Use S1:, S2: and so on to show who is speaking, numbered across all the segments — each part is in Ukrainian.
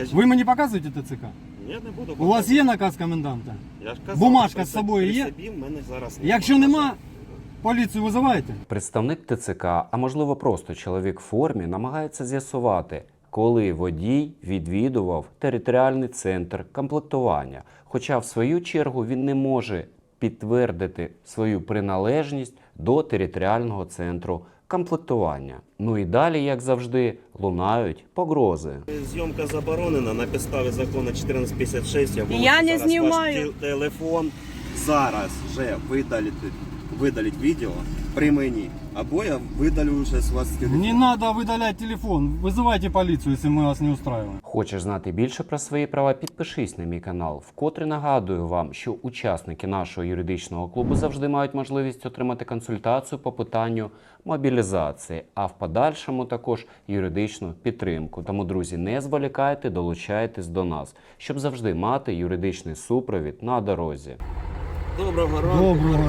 S1: Ви мені показуєте ТЦК?
S2: Я не буду.
S1: У вас є наказ коменданта?
S2: Я ж казав,
S1: Бумажка
S2: при
S1: з собою
S2: при
S1: є?
S2: собі в мене зараз
S1: Якщо нема, поліцію визиваєте?
S3: Представник ТЦК, а можливо просто чоловік в формі, намагається з'ясувати, коли водій відвідував територіальний центр комплектування. Хоча в свою чергу він не може підтвердити свою приналежність до територіального центру комплектування. Ну і далі, як завжди, лунають погрози.
S2: Зйомка заборонена на підставі закону 1456. Я
S4: Я не
S2: зараз
S4: знімаю.
S2: ваш телефон зараз вже видалить відео при мені. Або я видалю вже з вас телефон.
S1: Не треба видаляти телефон. Визивайте поліцію, якщо ми вас не устраиваем.
S3: Хочеш знати більше про свої права? Підпишись на мій канал. Вкотре нагадую вам, що учасники нашого юридичного клубу завжди мають можливість отримати консультацію по питанню мобілізації, а в подальшому також юридичну підтримку. Тому, друзі, не зволікайте, долучайтесь до нас, щоб завжди мати юридичний супровід на дорозі.
S2: Доброго ранку.
S1: Доброго.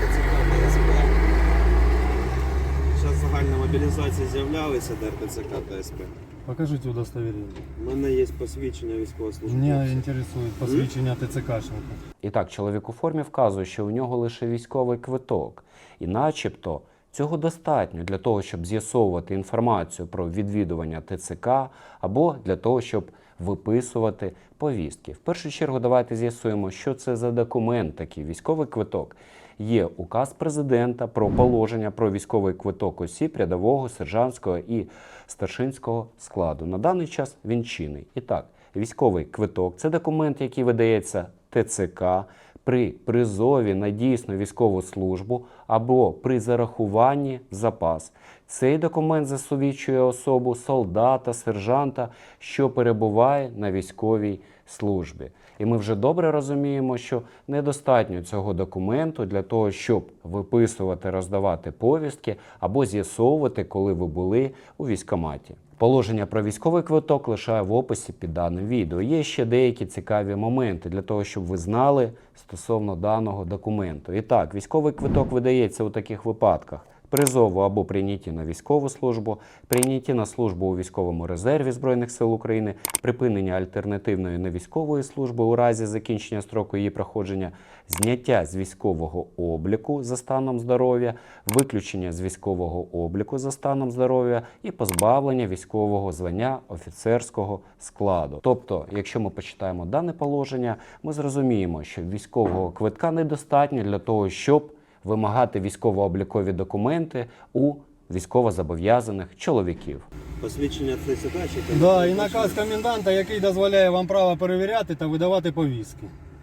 S2: Зараз загальна мобілізація з'являлася ДРТЦК та СП.
S1: Покажіть удостоверення.
S2: У мене є посвідчення військовослужбовця.
S1: Мене інтересує посвідчення ТЦКшника.
S3: І так, чоловік у формі вказує, що у нього лише військовий квиток. І начебто цього достатньо для того, щоб з'ясовувати інформацію про відвідування ТЦК або для того, щоб виписувати повістки. В першу чергу давайте з'ясуємо, що це за документ такий військовий квиток. Є указ президента про положення про військовий квиток осіб рядового, сержантського і старшинського складу. На даний час він чинний. І так, військовий квиток – це документ, який видається ТЦК при призові на дійсну військову службу або при зарахуванні в запас. Цей документ засвідчує особу солдата, сержанта, що перебуває на військовій службі. І ми вже добре розуміємо, що недостатньо цього документу для того, щоб виписувати, роздавати повістки або з'ясовувати, коли ви були у військкоматі. Положення про військовий квиток лишаю в описі під даним відео. Є ще деякі цікаві моменти для того, щоб ви знали стосовно даного документу. І так, військовий квиток видається у таких випадках: призову або прийнятті на військову службу, прийнятті на службу у військовому резерві Збройних сил України, припинення альтернативної невійськової служби у разі закінчення строку її проходження, зняття з військового обліку за станом здоров'я, виключення з військового обліку за станом здоров'я і позбавлення військового звання офіцерського складу. Тобто, якщо ми почитаємо дане положення, ми зрозуміємо, що військового квитка недостатньо для того, щоб вимагати військово-облікові документи у військовозобов'язаних чоловіків.
S2: Посвідчення ТЦК чи
S1: Да, і наказ коменданта, який дозволяє вам право перевіряти та видавати повістки.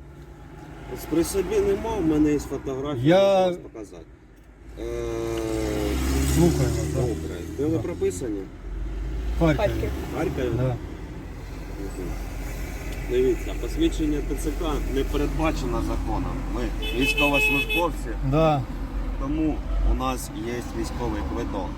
S2: При собі нема, в мене є фотографія,
S1: Я-
S2: можу вас показати.
S1: Слухаю вас, да.
S2: Добре. Де ви прописані?
S1: Харків.
S4: Харків.
S2: Харкові?
S1: Да.
S2: Дивіться, посвідчення ТЦК не передбачено законом. Ми військовослужбовці,
S1: Да.
S2: тому у нас є військовий квиток.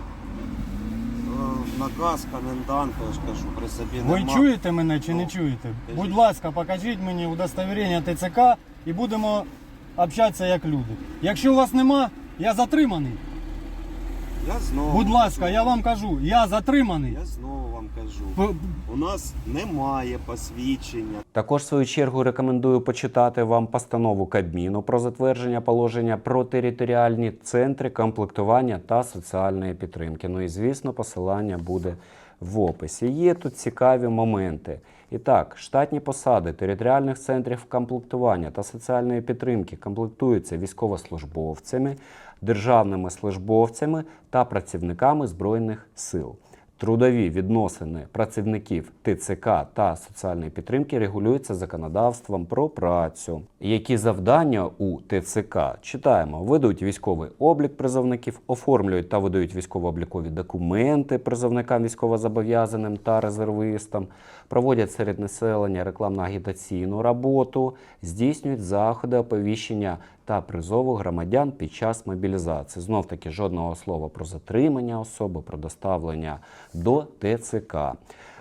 S2: Наказ коменданта, я ж кажу, при собі
S1: Ви
S2: нема.
S1: чуєте мене чи не
S2: Ну,
S1: чуєте?
S2: кажіть.
S1: Будь ласка, покажіть мені удостоверення ТЦК і будемо общатися як люди. Якщо у вас нема, я затриманий.
S2: Я знову
S1: Будь ласка,
S2: кажу,
S1: я вам кажу, я затриманий.
S2: Я знову вам кажу.
S1: П-
S2: У нас немає посвідчення.
S3: Також, в свою чергу, рекомендую почитати вам постанову Кабміну про затвердження положення про територіальні центри комплектування та соціальної підтримки. Ну і, звісно, посилання буде в описі. Є тут цікаві моменти. І так, штатні посади територіальних центрів комплектування та соціальної підтримки комплектуються військовослужбовцями, державними службовцями та працівниками Збройних сил. Трудові відносини працівників ТЦК та соціальної підтримки регулюються законодавством про працю. Які завдання у ТЦК? Читаємо. Ведуть військовий облік призовників, оформлюють та видають військово-облікові документи призовникам військовозобов'язаним та резервистам, проводять серед населення рекламно-агітаційну роботу, здійснюють заходи оповіщення та призову громадян під час мобілізації. Знов-таки жодного слова про затримання особи, про доставлення до ТЦК.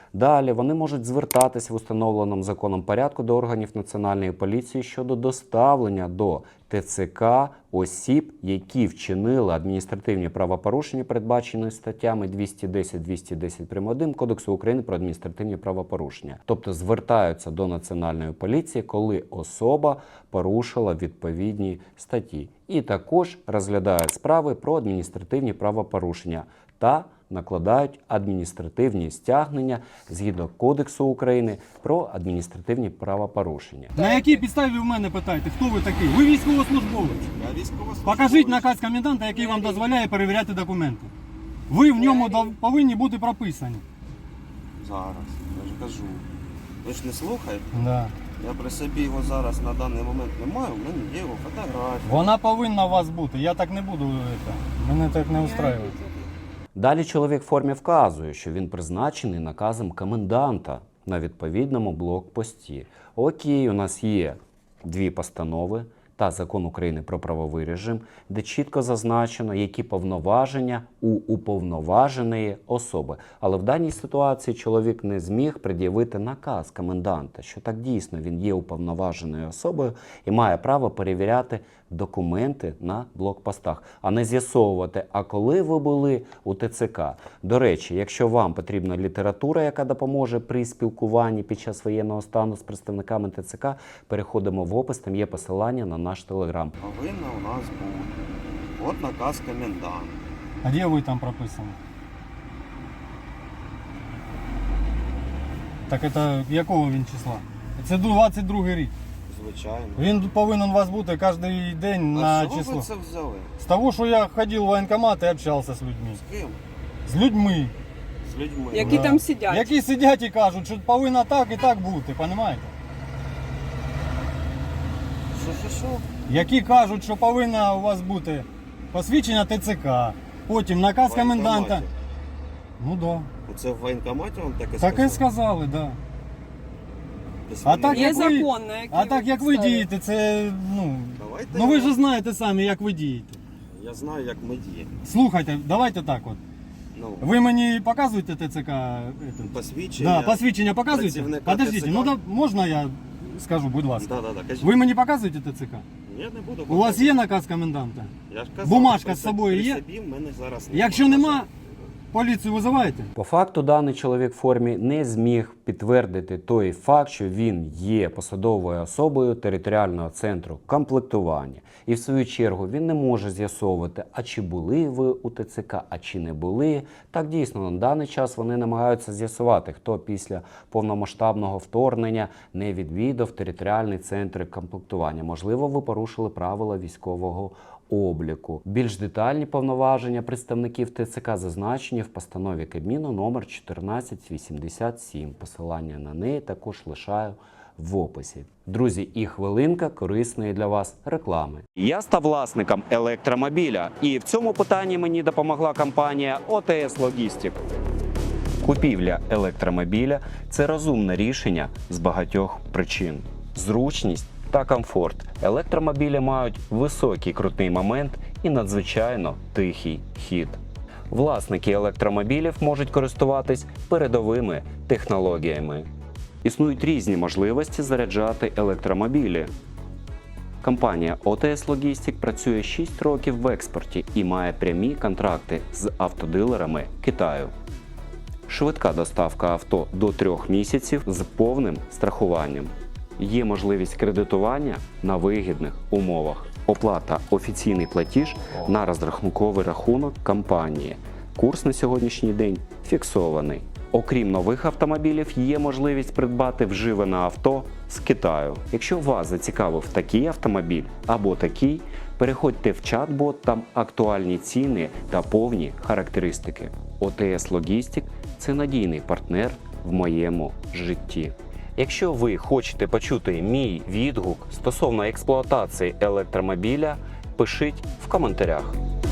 S3: Далі вони можуть звертатись в установленому законом порядку до органів Національної поліції щодо доставлення до ТЦК осіб, які вчинили адміністративні правопорушення, передбачені статтями 210, 210 прим. 1 Кодексу України про адміністративні правопорушення. Тобто звертаються до Національної поліції, коли особа порушила відповідні статті. І також розглядають справи про адміністративні правопорушення та накладають адміністративні стягнення згідно Кодексу України про адміністративні правопорушення.
S1: На якій підставі ви в мене питаєте, хто ви такий? Ви військовослужбовець.
S2: Я військовослужбовець.
S1: Покажіть наказ коменданта, який вам дозволяє перевіряти документи. Ви в ньому повинні бути прописані.
S2: Зараз, я ж кажу. Ви ж не слухаєте?
S1: Да.
S2: Я при собі його зараз на даний момент не маю, в мене є його фотографія.
S1: Вона повинна у вас бути. Я так не буду. Мене так не устраює.
S3: Далі чоловік в формі вказує, що він призначений наказом коменданта на відповідному блокпості. Окей, у нас є 2 постанови та Закон України про правовий режим, де чітко зазначено, які повноваження у уповноваженої особи. Але в даній ситуації чоловік не зміг пред'явити наказ коменданта, що так дійсно він є уповноваженою особою і має право перевіряти документи на блокпостах, а не з'ясовувати, а коли ви були у ТЦК. До речі, якщо вам потрібна література, яка допоможе при спілкуванні під час воєнного стану з представниками ТЦК, переходимо в опис, там є посилання на наш телеграм.
S2: Повинна у нас бути. От наказ коменданта.
S1: А де ви там прописані? Так це якого він числа? Це 22 рік.
S2: Звичайно.
S1: Він повинен у вас бути кожен день на
S2: А чого
S1: число.
S2: ви це взяли?
S1: З того, що я ходив в воєнкомат і общався з людьми.
S2: З ким?
S1: З людьми.
S2: З людьми.
S4: Які там сидять.
S1: Які сидять і кажуть, що повинно так і так бути, розумієте?
S2: Що?
S1: Які кажуть, що повинно у вас бути посвідчення ТЦК, потім наказ коменданта. Ну так. Да.
S2: Оце в воєнкоматі вам таке
S1: Таке
S2: сказали?
S1: сказали, так. Да.
S2: Десь
S1: А
S2: вони-
S1: так,
S4: Є
S1: як ви,
S4: закон, на який
S1: а так як ви
S4: ставите.
S1: дієте, це,
S2: Давайте
S1: ну ви ж знаєте самі, як ви дієте.
S2: Я знаю, як ми діємо.
S1: Слухайте, давайте так от.
S2: Ну,
S1: Ви мені показуєте ТЦК?
S2: посвідчення.
S1: Да, посвідчення показуєте?
S2: працівника
S1: Подождите,
S2: ТЦК.
S1: ну да, можна я скажу, будь ласка.
S2: Да, кажіть.
S1: Ви мені показуєте ТЦК?
S2: Я не буду.
S1: У вас є наказ коменданта?
S2: Я ж казав,
S1: бумажка
S2: при
S1: з собою є?
S2: При собі в мене зараз
S1: Якщо нема, поліцію визиваєте?
S3: По факту даний чоловік в формі не зміг підтвердити той факт, що він є посадовою особою територіального центру комплектування. І в свою чергу він не може з'ясовувати, а чи були ви у ТЦК, а чи не були. Так дійсно, на даний час вони намагаються з'ясувати, хто після повномасштабного вторгнення не відвідав територіальний центр комплектування. Можливо, ви порушили правила військового обліку. Більш детальні повноваження представників ТЦК зазначені в постанові Кабміну номер 1487. Посилання на неї також лишаю в описі. Друзі, і хвилинка корисної для вас реклами. Я став власником електромобіля, і в цьому питанні мені допомогла компанія ОТС Логістик. Купівля електромобіля – це розумне рішення з багатьох причин. Зручність та комфорт. Електромобілі мають високий крутний момент і надзвичайно тихий хід. Власники електромобілів можуть користуватись передовими технологіями. Існують різні можливості заряджати електромобілі. Компанія ОТС Логістик працює 6 років в експорті і має прямі контракти з автодилерами Китаю. Швидка доставка авто до 3 місяців з повним страхуванням. Є можливість кредитування на вигідних умовах. Оплата офіційний платіж на розрахунковий рахунок компанії. Курс на сьогоднішній день фіксований. Окрім нових автомобілів, є можливість придбати вживане авто з Китаю. Якщо вас зацікавив такий автомобіль або такий, переходьте в чат-бот, там актуальні ціни та повні характеристики. ОТС Логістик – це надійний партнер в моєму житті. Якщо ви хочете почути мій відгук стосовно експлуатації електромобіля, пишіть в коментарях.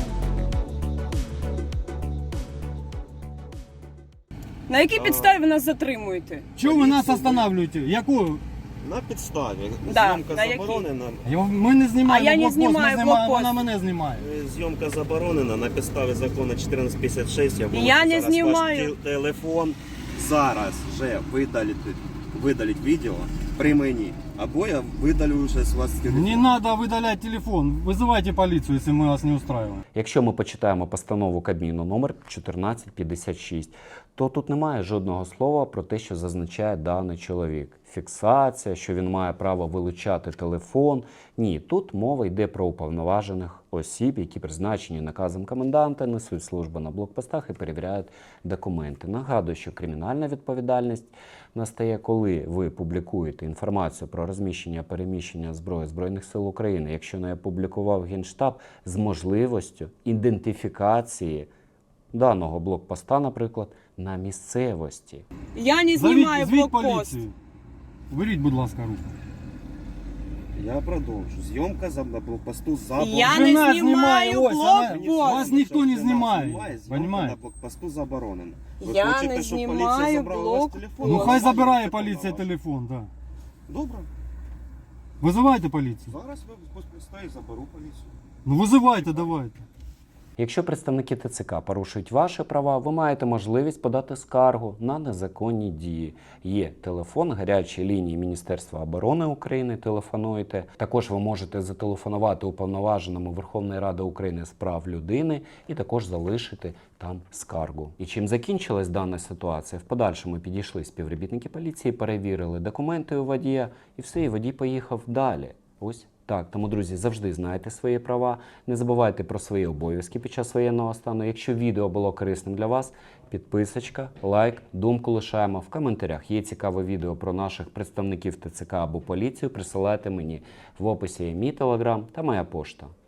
S4: На якій підставі ви нас затримуєте?
S1: Чого ви нас останавливаєте? Яку?
S2: На підставі.
S4: Да,
S2: Зйомка
S4: на якій?
S2: заборонена.
S1: Ми не знімаємо
S4: А я не
S1: блокпост,
S4: знімаю
S1: ми знімаємо,
S4: блокпост.
S1: вона мене знімає.
S2: Зйомка заборонена на підставі закону 1456. Я
S4: Я не
S2: зараз
S4: знімаю.
S2: ваш телефон зараз же видаліть відео при мені, або я видалю вже з вас телефон.
S1: Не надо видалять телефон. Вызывайте полицию, если мы вас не устраиваем.
S3: Якщо ми почитаємо постанову Кабміну номер 1456, то тут немає жодного слова про те, що зазначає даний чоловік. Фіксація, що він має право вилучати телефон. Ні, тут мова йде про уповноважених осіб, які призначені наказом коменданта, несуть службу на блокпостах і перевіряють документи. Нагадую, що кримінальна відповідальність настає, коли ви публікуєте інформацію про розміщення, переміщення зброї Збройних сил України, якщо не опублікував Генштаб, з можливістю ідентифікації даного блокпоста, наприклад, на місцевості.
S4: Я не знімаю
S1: Звіть
S4: блокпост.
S1: поліцію. Беріть, будь ласка, руку.
S2: Я продовжу. Зйомка за блокпосту заборонена.
S4: Я не
S1: Жена
S4: знімаю
S1: знімає, ось, вона-
S4: блокпост.
S1: Вас ніхто не знімає,
S2: Зйомка
S1: понімаєте?
S2: на блокпосту заборонена. Ви
S4: Я
S2: хочете,
S4: не
S2: щоб
S4: знімаю
S2: поліція забрала ваш
S4: блокпост.
S2: телефон?
S1: Ну
S2: Ви
S1: хай
S2: знаєте,
S1: забирає
S2: що
S1: поліція
S2: вона
S1: телефон, так. Да.
S2: Добре.
S1: Визивайте поліцію.
S2: Зараз ви постою заберу поліцію.
S1: Ну визивайте, давайте.
S3: Якщо представники ТЦК порушують ваші права, ви маєте можливість подати скаргу на незаконні дії. Є телефон гарячої лінії Міністерства оборони України, телефонуйте. Також ви можете зателефонувати уповноваженому Верховної Ради України з прав людини і також залишити там скаргу. І чим закінчилась дана ситуація? В подальшому підійшли співробітники поліції, перевірили документи у водія і все, і водій поїхав далі. Ось так. Тому, друзі, завжди знайте свої права, не забувайте про свої обов'язки під час воєнного стану. Якщо відео було корисним для вас, підписочка, лайк, думку лишаємо в коментарях. Є цікаве відео про наших представників ТЦК або поліцію, присилайте мені. В описі є мій телеграм та моя пошта.